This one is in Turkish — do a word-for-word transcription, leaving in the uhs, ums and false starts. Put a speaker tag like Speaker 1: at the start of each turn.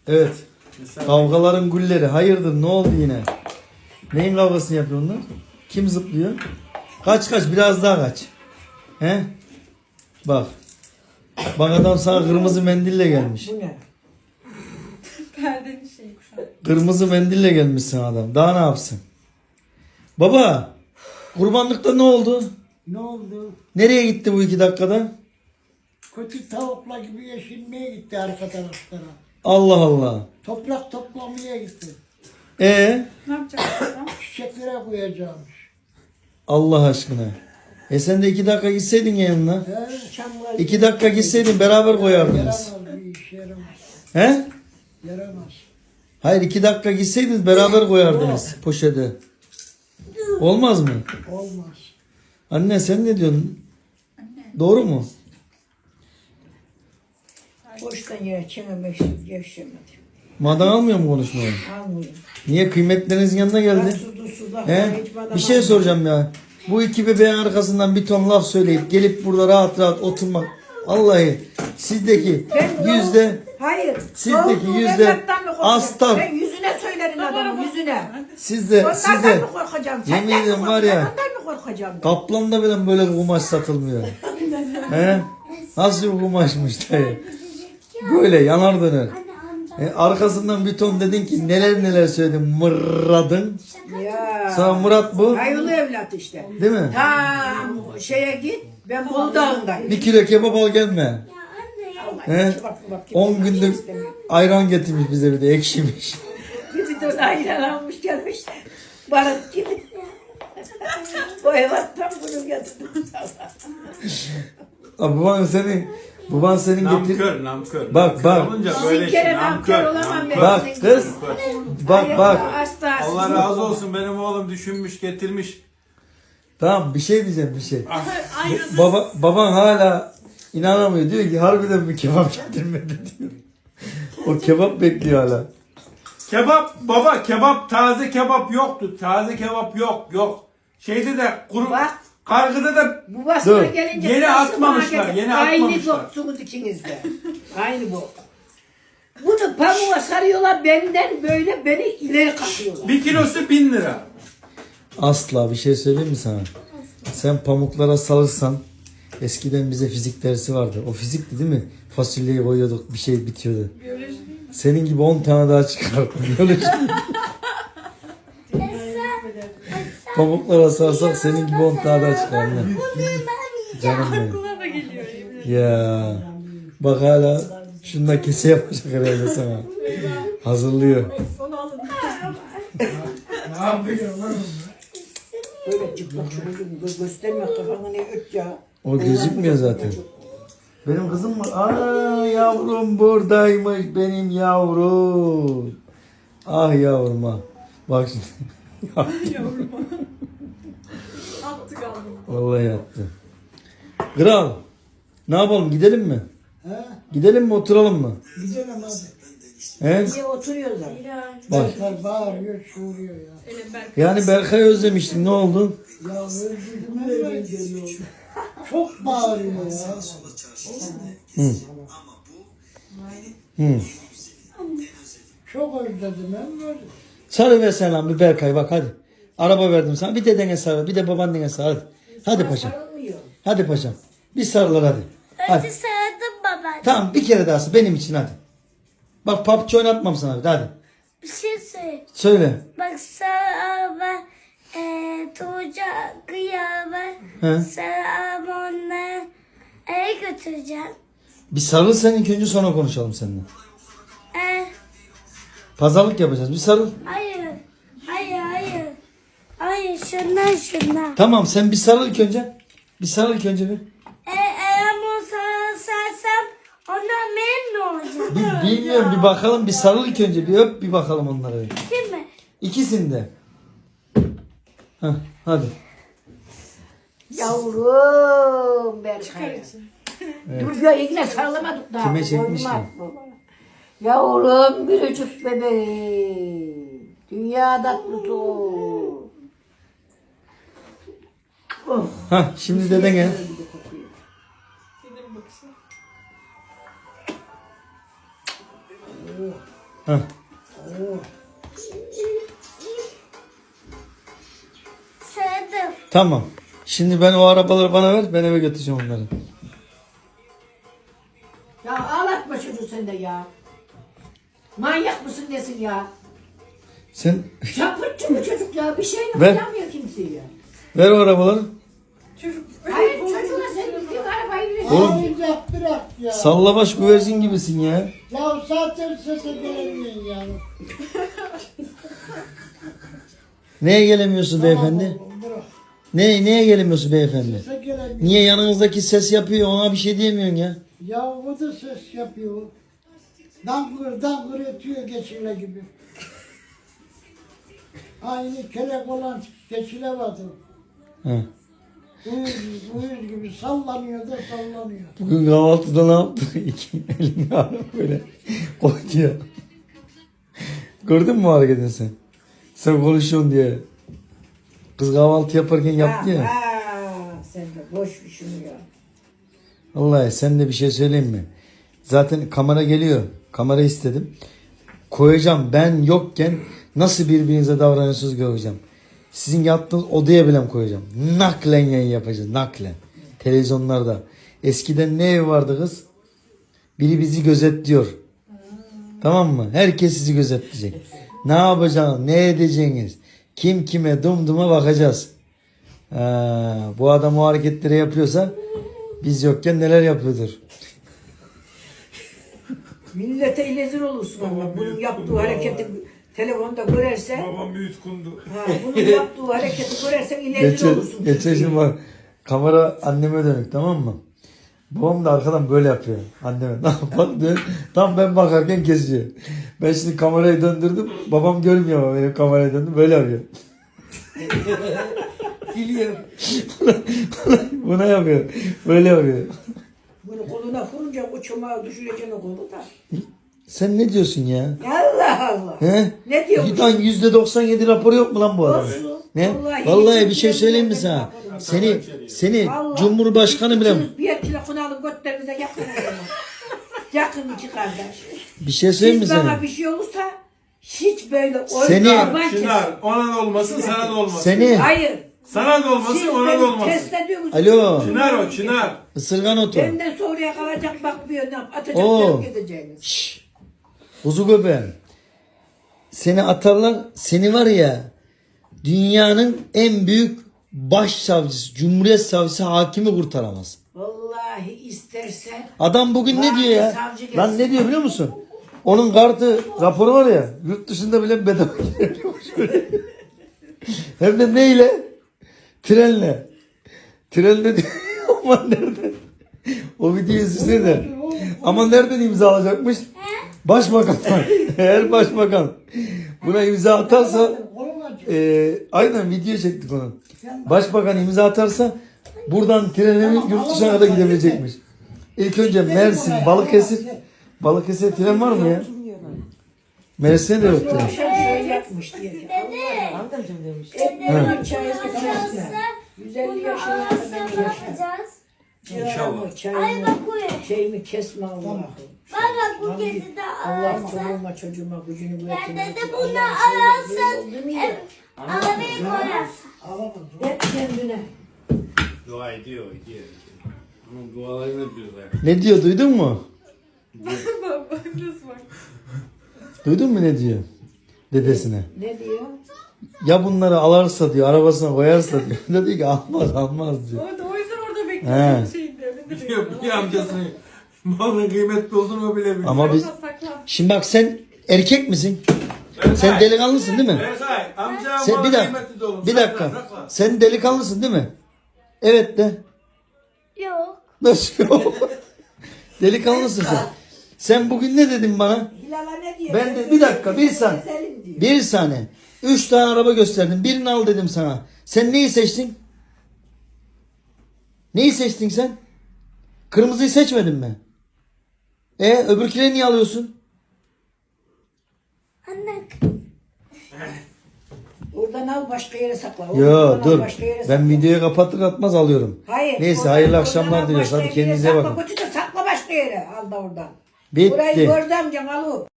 Speaker 1: Evet.
Speaker 2: Mesela
Speaker 1: Kavgaların gülleri. Hayırdır, ne oldu yine? Neyin kavgasını yapıyor onlar? Kim zıplıyor? Kaç kaç, biraz daha kaç. He? Bak. Bak adam sana kırmızı mendille gelmiş.
Speaker 3: Bu ne?
Speaker 4: Perdenin şeyi kuşağı.
Speaker 1: Kırmızı mendille gelmişsin adam. Daha ne yapsın? Baba. Kurbanlıkta ne oldu?
Speaker 5: Ne oldu?
Speaker 1: Nereye gitti bu iki dakikada?
Speaker 5: Kötü tavukla gibi yeşilmeye gitti arka taraflara.
Speaker 1: Allah Allah.
Speaker 5: Toprak toplamaya gitti.
Speaker 1: E
Speaker 4: Ne yapacak adam?
Speaker 5: Çiçeklere koyacağımış.
Speaker 1: Allah aşkına. E sen de iki dakika gitseydin yanına.
Speaker 5: He, çamlar
Speaker 1: İki dakika gitseydin beraber koyardınız.
Speaker 5: Yaramaz bir iş yaramaz.
Speaker 1: He?
Speaker 5: Yaramaz.
Speaker 1: Hayır, iki dakika gitseydiniz beraber koyardınız poşete. Olmaz mı?
Speaker 5: Olmaz.
Speaker 1: Anne sen ne diyorsun? Doğru mu?
Speaker 3: Boştan yere çenemek yaşamadım.
Speaker 1: Madan almıyor mu konuşmayı?
Speaker 3: Almıyorum.
Speaker 1: Niye, kıymetlerinizin yanına geldi?
Speaker 3: Suda suda.
Speaker 1: He? Bir şey soracağım ya. Bu iki bebeğin arkasından bir ton laf söyleyip gelip burada rahat rahat oturmak. Vallahi sizdeki
Speaker 3: Ben
Speaker 1: yüzde
Speaker 3: Hayır.
Speaker 1: Sizdeki
Speaker 3: doğru,
Speaker 1: yüzde
Speaker 3: evlattan mı korkuyorum?
Speaker 1: aslan.
Speaker 3: Ben yüzüne söylerim adamın yüzüne.
Speaker 1: sizde
Speaker 3: Onlardan
Speaker 1: sizde
Speaker 3: mı korkacağım?
Speaker 1: yemin
Speaker 3: Senden mi
Speaker 1: ediyorum var ya,
Speaker 3: korkacağım? Ondan mı korkacağım? ben?
Speaker 1: Kaplan'da bile böyle bir kumaş satılmıyor. He? Nasıl bir kumaşmış dayı? Böyle yanar döner. E, arkasından bir ton dedin ki neler neler söyledin, mırradın.
Speaker 3: Ya.
Speaker 1: Sana Murat bu,
Speaker 3: Hayırlı evlat işte.
Speaker 1: değil mi?
Speaker 3: Tam şeye git. Ben Buldağ'ındayım.
Speaker 1: Bir kilo kebap al gelme. He? On gündür ayran getirmiş bize, bir de ekşimiş.
Speaker 3: Bir de ayran almış gelmiş. Barut gibi. O evattan bunu getirdim.
Speaker 1: Abi baban seni, baban senin getir.
Speaker 2: namkör, namkör.
Speaker 1: Bak,
Speaker 2: Namkör
Speaker 1: bak.
Speaker 2: olunca
Speaker 3: Sizin
Speaker 2: böyle
Speaker 3: kere
Speaker 2: şey,
Speaker 3: namkör olamam ben.
Speaker 1: Bak kız, bak bak.
Speaker 3: Hasta.
Speaker 2: Allah razı olsun, benim oğlum düşünmüş, getirmiş.
Speaker 1: Tamam, bir şey diyeceğim, bir şey.
Speaker 4: Ayrıldı.
Speaker 1: Baba, baban hala inanamıyor, diyor ki harbiden bir kebap getirmedi diyor. O kebap bekliyor hala.
Speaker 2: Kebap, baba kebap, taze kebap yoktu. Taze kebap yok, yok. Şeyde de kuru,
Speaker 3: Bak.
Speaker 2: kargıda da
Speaker 3: Bu basına
Speaker 1: Dur.
Speaker 3: gelince
Speaker 2: Yeni
Speaker 3: nasıl
Speaker 2: atmamışlar,
Speaker 3: bana
Speaker 2: yeni
Speaker 3: Aynı
Speaker 2: atmamışlar.
Speaker 3: boksunuz ikiniz de. Aynı bok. Bunu pamuğa sarıyorlar benden böyle beni ileri katıyorlar.
Speaker 2: bir kilosu bin lira.
Speaker 1: Asla bir şey söyleyeyim mi sana? Sen pamuklara salırsan, eskiden bize fizik dersi vardı. O fizikti değil mi? Fasulyeyi koyuyorduk, bir şey bitiyordu.
Speaker 4: Biyoloji.
Speaker 1: Senin gibi on tane daha çıkar. Biyoloji. Pamuklara sarsak senin gibi on tane daha çıkar. Ne? Canım benim.
Speaker 4: Aklıma da geliyor.
Speaker 1: Ya bak hala şunda kese yapacak herhalde sana. Hazırlıyor.
Speaker 4: Onu alın.
Speaker 5: Ne yapıyor lan?
Speaker 3: Böyle çıplak şunu göz göstermiyor kafanı ne öt ya.
Speaker 1: O gözükmüyor zaten. Benim kızım mı? Aa yavrum buradaymış benim yavrum. Ah yavrum ah. Bak şimdi.
Speaker 4: Yavrum. Attı kaldı.
Speaker 1: Vallahi yattı. Kral. Ne yapalım, gidelim mi?
Speaker 5: He?
Speaker 1: Gidelim mi, oturalım mı?
Speaker 5: Gidelim hadi.
Speaker 1: He?
Speaker 3: Niye oturuyorlar?
Speaker 1: Bak.
Speaker 5: Berkay bağırıyor, çığırıyor ya.
Speaker 4: Elim Berk.
Speaker 1: Yani Berkay'ı özlemiştim, ne oldu?
Speaker 5: Ya özledim nereye geliyor? Çok bağırıyor ya.
Speaker 1: Hı. Hı.
Speaker 5: Çok özledim hem böyle.
Speaker 1: Sarı ver sen lan bir Berkay, bak hadi. Araba verdim sana, bir dedene sarıl, bir de babaannene sarıl. Hadi. Hadi paşam.
Speaker 3: Sarılmıyor.
Speaker 1: Hadi paşam. Bir sarılır hadi. Hadi.
Speaker 6: Önce sarıldım baba.
Speaker 1: Tamam, bir kere daha benim için hadi. Bak P U B G oynatmam sana bir de, hadi.
Speaker 6: Bir şey söyle.
Speaker 1: Söyle.
Speaker 6: Bak sarı araba eee Tuğca kıyama.
Speaker 1: He.
Speaker 6: Sarı araba onları eve götüreceğim.
Speaker 1: Bir sarıl sen ilk önce, sonra konuşalım seninle.
Speaker 6: Eee
Speaker 1: Pazarlık yapacağız, bir sarıl.
Speaker 6: hayır. Hayır hayır. Hayır şundan şundan.
Speaker 1: Tamam, sen bir sarıl ilk önce. Bir sarıl ilk önce bir.
Speaker 6: E, eğer onu sarılsarsam ondan memnun olacağım.
Speaker 1: Bir bilmiyorum, bir bakalım, bir sarıl ilk önce, bir öp bir bakalım onları.
Speaker 6: Değil mi?
Speaker 1: İkisini de. Heh, hadi.
Speaker 3: Yavrum Berkay. Dur ya yine sarılamadık daha.
Speaker 1: Kime çekmiş
Speaker 3: Olmaz
Speaker 1: ki?
Speaker 3: bu. Yavrum biricik bebeğim. Dünya tatlısı. Oh.
Speaker 1: Hah, şimdi deden gel.
Speaker 4: Dedim bakışa.
Speaker 1: Heh.
Speaker 6: Sevdim.
Speaker 1: Tamam. Şimdi ben o arabaları bana ver. Ben eve götüreceğim onları.
Speaker 3: Ya ağlatma çocuğu sen de ya. Manyak mısın nesin ya?
Speaker 1: Sen
Speaker 3: Çapıtçı bu çocuk ya. Bir şey
Speaker 1: Ver.
Speaker 3: yapamıyor kimseyi ya.
Speaker 1: ver o arabaları.
Speaker 4: Çocuk.
Speaker 3: Hayır çocuğuna sen gittiğin arabayı bile
Speaker 1: Oğlum.
Speaker 5: Oyuncak bırak ya.
Speaker 1: Sallabaş güvercin gibisin ya.
Speaker 5: Ya zaten sese gelemiyorsun yani.
Speaker 1: Neye gelemiyorsun beyefendi?
Speaker 5: Tamam, bırak.
Speaker 1: Ne, neye gelemiyorsun beyefendi?
Speaker 5: Sese gelemiyor.
Speaker 1: Niye yanınızdaki ses yapıyor ona bir şey diyemiyorsun ya?
Speaker 5: Ya o da ses yapıyor. Dangır dangır ötüyor geçile gibi. Aynı kelek olan geçile vardı.
Speaker 1: He.
Speaker 5: Uyuz, uyuz gibi sallanıyor da sallanıyor.
Speaker 1: Bugün kahvaltıda ne yaptı? İki elini alıp böyle koydu ya. Gördün mü o hareketini sen? Sen konuşuyorsun diye. Kız kahvaltı yaparken yaptı ya.
Speaker 3: Ha, sen de boş bir şunu ya.
Speaker 1: Vallahi sen de bir şey söyleyeyim mi? Zaten kamera geliyor. Kamera istedim. Koyacağım ben yokken nasıl birbirinize davranıyorsunuz göreceğim. Sizin yattığınız odaya bile koyacağım. Naklen yayın yapacağız. Naklen. Televizyonlarda. Eskiden ne ev vardı kız? Biri bizi gözetliyor. Tamam mı? Herkes sizi gözetleyecek. Ne yapacaksınız? Ne edeceğiniz? Kim kime dumduma bakacağız. Ha, bu adam o hareketleri yapıyorsa biz yokken neler yapıyordur?
Speaker 3: Millete ilezir olursun ama bunun yaptığı hareketi telefonda görerse,
Speaker 2: Babam bir yutkundu.
Speaker 3: ha, bunun yaptığı hareketi görersen ilezir
Speaker 1: Geçen,
Speaker 3: olursun.
Speaker 1: geçen şimdi bak kamera anneme dönük tamam mı? Babam da arkadan böyle yapıyor anneme. Ne yapalım diyor. Tam ben bakarken kesiyor. Ben şimdi kamerayı döndürdüm. Babam görmüyor ama benim kamerayı döndüm. Böyle yapıyor.
Speaker 3: Biliyorum.
Speaker 1: Buna yapıyor. Böyle yapıyor.
Speaker 3: Bunu koluna vurunca uçuma düşüreceksin o kolu da.
Speaker 1: Sen ne diyorsun ya?
Speaker 3: Allah Allah.
Speaker 1: He?
Speaker 3: Ne diyormuş?
Speaker 1: Lan yüzde doksan yedi raporu yok mu lan bu adamın?
Speaker 3: Olsun.
Speaker 1: Ne?
Speaker 3: Vallahi
Speaker 1: Vallahi,
Speaker 3: hiç
Speaker 1: bir şey söyleyeyim mi
Speaker 3: bilmiyorum
Speaker 1: sana?
Speaker 3: ben bakarım.
Speaker 1: Seni seni
Speaker 3: Vallahi
Speaker 1: Cumhurbaşkanı bile
Speaker 3: ikiniz Bir telefonu alın götlerinize yakın o zaman. Yakın iki kardeş.
Speaker 1: bir şey söyleyeyim mi
Speaker 3: Siz bana
Speaker 1: sana?
Speaker 3: bir şey olursa hiç böyle
Speaker 1: Seni-
Speaker 3: oynaman kes-
Speaker 2: Çınar, ona da olmasın, sana da olmasın.
Speaker 1: Seni
Speaker 3: Hayır.
Speaker 2: Sana da olmasın,
Speaker 3: Siz
Speaker 2: ona da
Speaker 3: beni
Speaker 2: olmasın.
Speaker 3: test ediyorsunuz.
Speaker 1: Alo.
Speaker 2: Çınar o, Çınar.
Speaker 1: ısırgan otu.
Speaker 3: Benden sonraya kalacak bakmıyor. Ne yap- atacak
Speaker 1: Oo.
Speaker 3: terk edeceğiniz.
Speaker 1: Şşş. Kuzu göbeğim. Seni atarlar. Seni var ya dünyanın en büyük başsavcısı, cumhuriyet savcısı, hakimi kurtaramaz.
Speaker 3: Vallahi istersen
Speaker 1: Adam bugün ne
Speaker 3: Vay,
Speaker 1: diyor ya?
Speaker 3: savcı gelsin.
Speaker 1: Lan ne diyor biliyor musun? Onun kartı raporu var ya yurt dışında bile bedava girebiliyormuş. Hem de neyle? Trenle. Trenle diyor. Ama nereden? O videoyu izlesene de. Ama nereden imza alacakmış? Başbakandan. Eğer başbakan buna imza atarsa e, aynen video çektik onu. Başbakan imza atarsa buradan trenle yurt dışına kadar gidebilecekmiş. İlk önce Mersin, Balıkesir. Balıkesir tren var mı ya? Mersin'e de yok tren.
Speaker 3: akşam şöyle yapmış diye. ki, Allah'ım. Ekmeğin çayını kesme. yüz elli yaşına
Speaker 6: Arasam
Speaker 3: kadar
Speaker 6: ne
Speaker 3: yaşa.
Speaker 6: yapacağız?
Speaker 3: Ciğerimi,
Speaker 6: Ay
Speaker 3: çayımı,
Speaker 6: bak bu.
Speaker 3: şeyimi kesme Allah'ım.
Speaker 6: Bak bu kezi de
Speaker 3: Allah
Speaker 6: arasam.
Speaker 3: çoluğuma çocuğuma gücünü
Speaker 6: Ben
Speaker 3: bırakın.
Speaker 6: de bunu arasam. Arabayı koyarsın.
Speaker 3: Hep kendine.
Speaker 2: Dua ediyor, ediyor. Onun dualarını biliyorlar.
Speaker 1: Ne diyor duydun mu?
Speaker 4: Baba nasıl bak?
Speaker 1: Duydun mu ne diyor? Dedesine.
Speaker 3: Ne diyor?
Speaker 1: Ya bunları alırsa diyor arabasına koyarsa diyor. Ne diyor ki almaz almaz diyor.
Speaker 4: Orada o yüzden orada
Speaker 1: He.
Speaker 4: bekliyorum şeyinde. Ben de
Speaker 2: Biliyor,
Speaker 4: bekliyorum.
Speaker 2: biliyor amcasını. Malın kıymetli olduğunu bile biliyor.
Speaker 1: Ama biz
Speaker 4: Sakla.
Speaker 1: şimdi bak sen erkek misin?
Speaker 2: Berkay,
Speaker 1: Sen delikanlısın değil mi?
Speaker 2: Berkay, amca
Speaker 1: Sen, bir
Speaker 2: malın
Speaker 1: dakika.
Speaker 2: kıymetli de olur.
Speaker 1: Bir
Speaker 2: Sakla,
Speaker 1: dakika.
Speaker 2: sakla.
Speaker 1: Sen delikanlısın değil mi? Evet de.
Speaker 6: Yok.
Speaker 1: Nasıl yok? Delikanlısın sen. Sen bugün ne dedin bana?
Speaker 3: Hilal'a ne diyor?
Speaker 1: Ben de bir dakika bir saniye.
Speaker 3: Keselim diyor.
Speaker 1: Bir saniye. Üç tane araba gösterdim. Birini al dedim sana. Sen neyi seçtin? Neyi seçtin sen? Kırmızıyı seçmedin mi? E öbürküleri niye alıyorsun?
Speaker 6: Anne.
Speaker 3: Oradan al başka yere sakla.
Speaker 1: Yo
Speaker 3: Oradan al
Speaker 1: dur.
Speaker 3: başka yere
Speaker 1: Ben
Speaker 3: sakla.
Speaker 1: videoyu kapatır atmaz alıyorum.
Speaker 3: Hayır.
Speaker 1: Neyse
Speaker 3: oradan-
Speaker 1: hayırlı
Speaker 3: oradan
Speaker 1: akşamlar
Speaker 3: al
Speaker 1: diliyoruz.
Speaker 3: başka
Speaker 1: Hadi
Speaker 3: yere
Speaker 1: kendinize
Speaker 3: sakla.
Speaker 1: bakın.
Speaker 3: Götür de sakla başka yere. Al da oradan.
Speaker 1: Bitti.
Speaker 3: Burayı gördüm amcam al o.